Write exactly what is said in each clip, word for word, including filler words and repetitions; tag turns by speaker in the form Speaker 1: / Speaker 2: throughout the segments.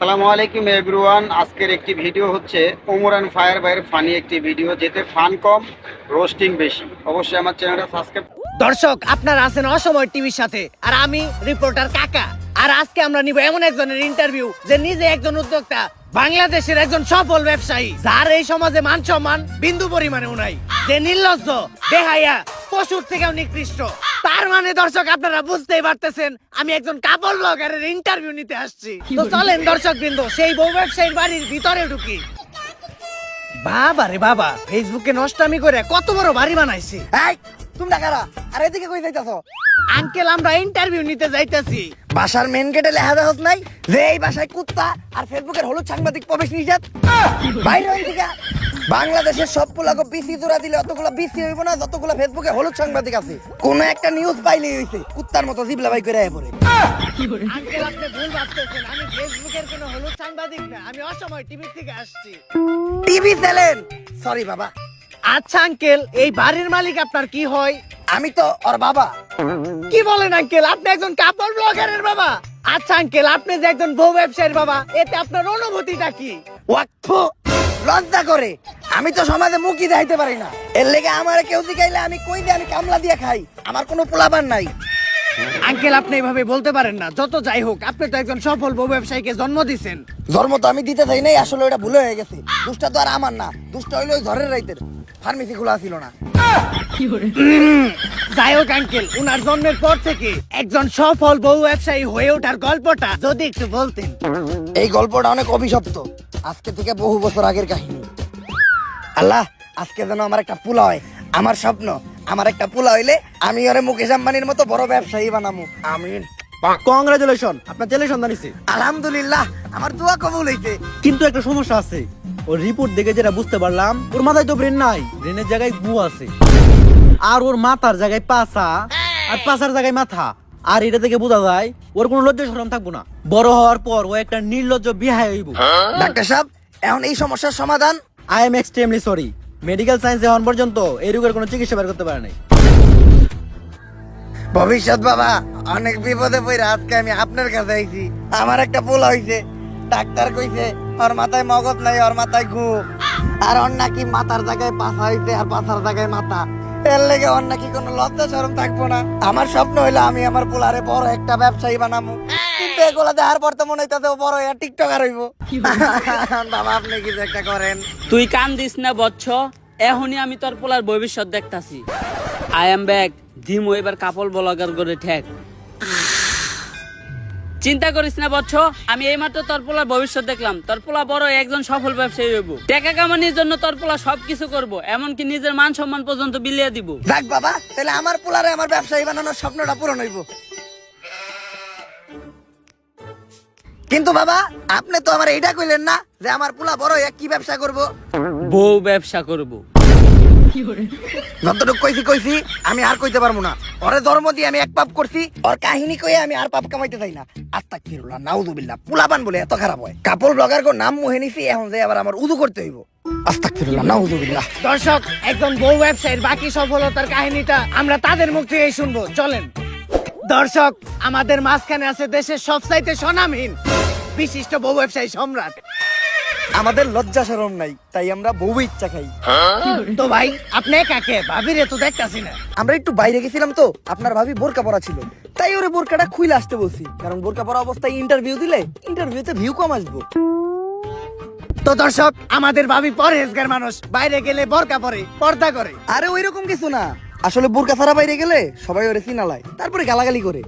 Speaker 1: আসসালামু আলাইকুম এভরিওয়ান। আজকের একটি ভিডিও হচ্ছে ওমর অ্যান্ড ফায়ার ভাইয়ের ফানি একটি ভিডিও, যেতে ফান কম রোস্টিং বেশি। অবশ্যই আমার চ্যানেলটা সাবস্ক্রাইব।
Speaker 2: দর্শক, আপনারা আছেন অসময় টিভির সাথে, আর আমি রিপোর্টার কাকা। আর আজকে আমরা নিব এমন একজনের ইন্টারভিউ যে নিজে একজন উদ্যোক্তা, বাংলাদেশের একজন সফল ব্যবসায়ী, যার এই সমাজে মান সম্মান বিন্দু পরিমাণেও নাই, যে নির্লজ্জ, বেহায়া, পশুর থেকেও নিকৃষ্ট। তার মানে দর্শক, আপনারা বুঝতেই পারতেছেন আমি একজন কাপড় ব্লগারের ইন্টারভিউ নিতে আসছি। তো চলেন দর্শক বৃন্দ, সেই বউ ব্যবসায়ীর বাড়ির ভিতরে ঢুকি। বাবা রে বাবা, ফেসবুকে নষ্টামি করে কত বড় বাড়ি বানাইছি।
Speaker 3: এই তোমরা কারা? আর এদিকে কই যাইতাছো?
Speaker 2: আঙ্কেল, আমরা ইন্টারভিউ নিতে যাইতাছি।
Speaker 3: বাসার মেন গেটে লেখা দেখছ নাই যে এই বাসায় কুত্তা আর ফেসবুকের হলুদ সাংবাদিক প্রবেশ নিষেধ? বাইরে হইন থেকে। বাংলাদেশের সব পোলাকে বিসি জোড়া দিলে অতগুলো বিসি হইব না যতগুলো ফেসবুকে হলুদ সাংবাদিক আছে। কোন একটা নিউজ পাইলেই হইছে কুত্তার মতো জিবলা বাই করে আয় পড়ে।
Speaker 2: আঙ্কেল, আপনি ভুল ভাবতেছেন, আমি ফেসবুকের কোনো হলুদ সাংবাদিক না, আমি অসময় টিভি থেকে আসছি।
Speaker 3: TV channel? সরি বাবা।
Speaker 2: আচ্ছা আঙ্কেল, এই বাড়ির মালিক আপনার কি হয়?
Speaker 3: আমি তো ওর বাবা।
Speaker 2: কি বলেন আঙ্কেল, আপনি একজন কাপড় ব্লগারের বাবা? আচ্ছা আঙ্কেল, আপনি যে একজন বউ ব্যবসায়ীর বাবা, এতে আপনার অনুভূতিটা কি?
Speaker 3: ওয়াক্ফ লজ্জা করে। আমি তো সমাজে মুখই দেখাইতে পারি না, এর লেগে আমারে কেউ জিগাইলে আমি কই দিয়ে আমি কামলা দিয়ে খাই। আমার কোনো পোলাপান নাই।
Speaker 2: আঙ্কেল, আপনি এভাবে বলতে পারেন না। যত যাই হোক, আপনি তো একজন সফল বউ ব্যবসায়ীকে জন্ম দিছেন।
Speaker 3: জন্ম তো আমি দিতে চাই নাই, আসলে ওটা ভুল হয়ে গেছে। দুষ্টা তো আর আমার না, দুষ্টা হইলো ওই ঝড়ের রাইতের। ফার্মেসি খোলা ছিল না।
Speaker 2: যাই হোক আঙ্কেল, উনার জন্মের পর থেকে একজন সফল বউ ব্যবসায়ী হয়ে ওঠার গল্পটা যদি একটু বলতেন।
Speaker 3: এই গল্পটা অনেক অভিশপ্ত, আজকে থেকে বহু বছর আগের কাহিনী। আল্লাহ, আজকে যেন আমার একটা পোলা হয়। আমার স্বপ্ন, আমার একটা পোলা হইলে আমি ওরে মুকেশ আম্বানির মতো বড় ব্যবসায়ী বানামু। আমিন।
Speaker 4: কংগ্রাচুলেশন, আপনার ছেলে সন্তান হইছে।
Speaker 3: আলহামদুলিল্লাহ, আমার দোয়া কবুল হইছে।
Speaker 4: কিন্তু একটা সমস্যা আছে, ওর রিপোর্ট দেখে যেটা বুঝতে পারলাম, ওর মাথায় তো ব্রেন নাই, ব্রেনের জায়গায় গু আছে। আর ওর মাথার জায়গায় পাছা, আর পাছার জায়গায় মাথা। আর এটা থেকে বোঝা যায় ওর কোনো লজ্জা শরম থাকবো না। বড় হওয়ার পর ও একটা নির্লজ্জ বিহায় হইব।
Speaker 3: ডাক্তার সাহেব, এখন এই সমস্যার সমাধান?
Speaker 4: I am extremely sorry, medical science এখন পর্যন্ত এই রোগের কোনো চিকিৎসা বের করতে পারে নাই।
Speaker 3: ভবিষ্যৎ বাবা, অনেক বিপদে পড়ে আজকে আমি আপনার কাছে আইছি। আমার একটা পোলা হইছে, ডাক্তার কইছে ওর মাথায় মগজ নাই, ওর মাথায় ঘু। আর ওর নাকি মাথার জায়গায় পাছা হইছে আর পাছার জায়গায় মাথা। এর লেগে ওর নাকি কোনো লজ্জা শরম থাকবো না। আমার স্বপ্ন হইলো আমি আমার পোলারে বড় একটা ব্যবসায়ী বানাবো। কিন্তু এগুলা দেখার পর তো মনে হইতাছে ও বড় একটা টিকটকার হইব। বাবা, আপনি কিছু একটা করেন।
Speaker 5: তুই কান দিস না বচ্চ, এখনই আমি তোর পোলার ভবিষ্যৎ দেখতাছি। আই এম ব্যাক, ধিমো এবার কাপড় ব্লগার করে ঠেক। চিন্তা করিস না বচ্চ, আমি এইমাত্র তোর পোলার ভবিষ্যৎ দেখলাম। তোর পোলা বড় একজন সফল ব্যবসায়ী হইব। টাকা কামানোর জন্য তোর পোলা সবকিছু করবো, এমনকি নিজের মান সম্মান পর্যন্ত বিলিয়ে দিব।
Speaker 3: যাক বাবা, তাহলে আমার পোলারে আমার ব্যবসায়ী বানানোর স্বপ্নটা পূরণ হইব। কিন্তু বাবা, আপনি তো আমার এইটা কইলেন না যে আমার পোলা বড় হয়ে কি ব্যবসা করব?
Speaker 5: বউ ব্যবসা করব।
Speaker 3: যতটুকু কইছি কইছি, আমি আর কইতে পারবো না। ওরে ধর্ম দিয়ে আমি এক পাপ করছি, ওর কাহিনী কইয়ে আমি আর পাপ কামাইতে চাই না। আস্তাগফিরুল্লাহ, নাউযুবিল্লাহ। পোলাপান বলে এত খারাপ হয়? কাপড় ব্লগার কো নাম মুহে নিছি, এখন যে আবার আমার উযু করতে হইব। আস্তাগফিরুল্লাহ, নাউযুবিল্লাহ।
Speaker 2: দর্শক, একজন বউ ব্যবসায়ীর বাকি সফলতার কাহিনীটা আমরা তাদের মুখ থেকেই শুনবো। চলেন দর্শক, আমাদের মাঝখানে আছে দেশের সবচাইতে স্বনামহীন বিশিষ্ট বউ ব্যবসায়ী সম্রাট।
Speaker 3: আমাদের লজ্জা শরম নাই, তাই আমরা বউ ইচ্ছা খাই।
Speaker 2: তো ভাই, আপনি কাকে ভাবিরে তো দেখতাছি না।
Speaker 3: আমরা একটু বাইরে গেছিলাম তো, আপনার ভাবি বোরকা পরা ছিল, তাই ওরে বোরকাটা খুইলে আসতে বলছি। কারণ বোরকা পরা অবস্থায় ইন্টারভিউ দিলে ইন্টারভিউতে ভিউ কম আসবো।
Speaker 2: তো দর্শক, আমাদের ভাবি পরহেজগার মানুষ, বাইরে গেলে বোরকা পরে, পর্দা করে।
Speaker 3: আরে ওই রকম কিছু না, আসলে বোরকা ছাড়া বাইরে গেলে সবাই ওরে চিনালায়, তারপরে গালাগালি করে।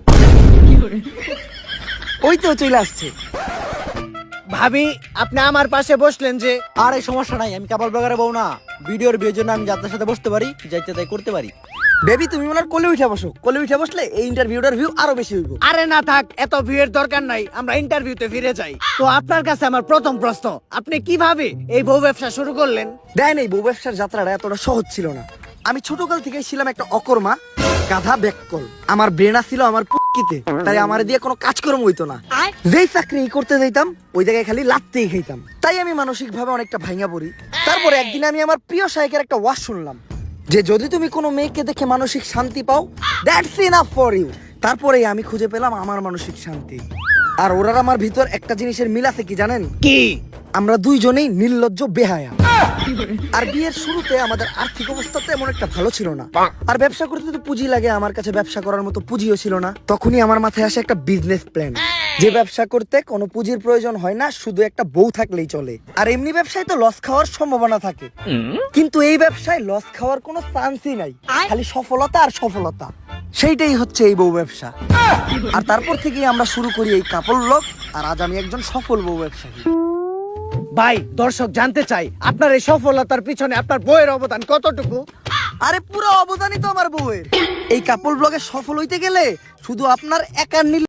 Speaker 3: ওই তো চলে আসছে।
Speaker 2: ভাবি, আপনি আমার পাশে বসলেন যে?
Speaker 4: আর এই সমস্যা নাই, আমি কাপড় ব্লগারে বউ না। ভিডিওর বিয়ের জন্য আমি যাত্রার সাথে বসতে পারি, যাইতে তাই করতে পারি।
Speaker 3: বেবি, তুমি ওনার কোলে উঠে বসো। কোলে উঠে বসলে এই ইন্টারভিউটার ভিউ আরো বেশি হইব।
Speaker 2: আরে না থাক, এত ভিড়ের দরকার নাই, আমরা ইন্টারভিউতে ফিরে যাই। তো আপনার কাছে আমার প্রথম প্রশ্ন, আপনি কিভাবে এই বউ ব্যবসা শুরু করলেন?
Speaker 3: দেয় নেই, বউ ব্যবসার যাত্রাটা এতটা সহজ ছিল না। আমি ছোটকাল থেকে ছিলাম একটা অকর্মা, গাধা ব্যাককল। আমার ব্রেনা ছিল আমার পুকিতে, তাই আমার দিয়ে কোনো কাজকর্ম হইতো না। যেই চাকরি করতে যাইতাম ওই জায়গায় খালি লাত্তেই খাইতাম। তাই আমি মানসিক ভাবে অনেকটা ভাঙা পড়ি। তারপরে একদিন আমি আমার প্রিয় শায়কের একটা ওয়াজ শুনলাম যে যদি তুমি কোনো মেয়েকে দেখে মানসিক শান্তি পাও, দ্যাটস ইনাফ ফর ইউ। তারপরে আমি খুঁজে পেলাম আমার মানসিক শান্তি। আর ওরার আমার ভিতর একটা জিনিসের মিল আছে কি জানেন?
Speaker 2: কি?
Speaker 3: আমরা দুইজনেই নির্লজ্জ বেহায়া। আর বিয়ের শুরুতে আমাদের আর্থিক অবস্থা তো এমন একটা ভালো ছিল না, আর ব্যবসা করতে তো পুঁজি লাগে, আমার কাছে ব্যবসা করার মতো পুঁজিও ছিল না। তখনই আমার মাথায় আসে একটা বিজনেস প্ল্যান, যে ব্যবসা করতে কোনো পুঁজির প্রয়োজন হয় না, শুধু একটা বউ থাকলেই চলে। আর এমনি ব্যবসায় তো লস খাওয়ার সম্ভাবনা থাকে, কিন্তু এই ব্যবসায় লস খাওয়ার কোনো চান্সই নাই, খালি সফলতা আর সফলতা। সেইটাই হচ্ছে এই বউ ব্যবসা। আর তারপর থেকেই আমরা শুরু করি এই কাপড় লোক, আর আজ আমি একজন সফল বউ ব্যবসায়ী।
Speaker 2: ভাই, দর্শক জানতে চাই আপনার এই সফলতার পিছনে আপনার বইয়ের অবদান কতটুকু?
Speaker 3: আরে পুরো অবদানই তো আমার বউয়ের। এই কাপড় ব্লগে সফল হইতে গেলে শুধু আপনার একার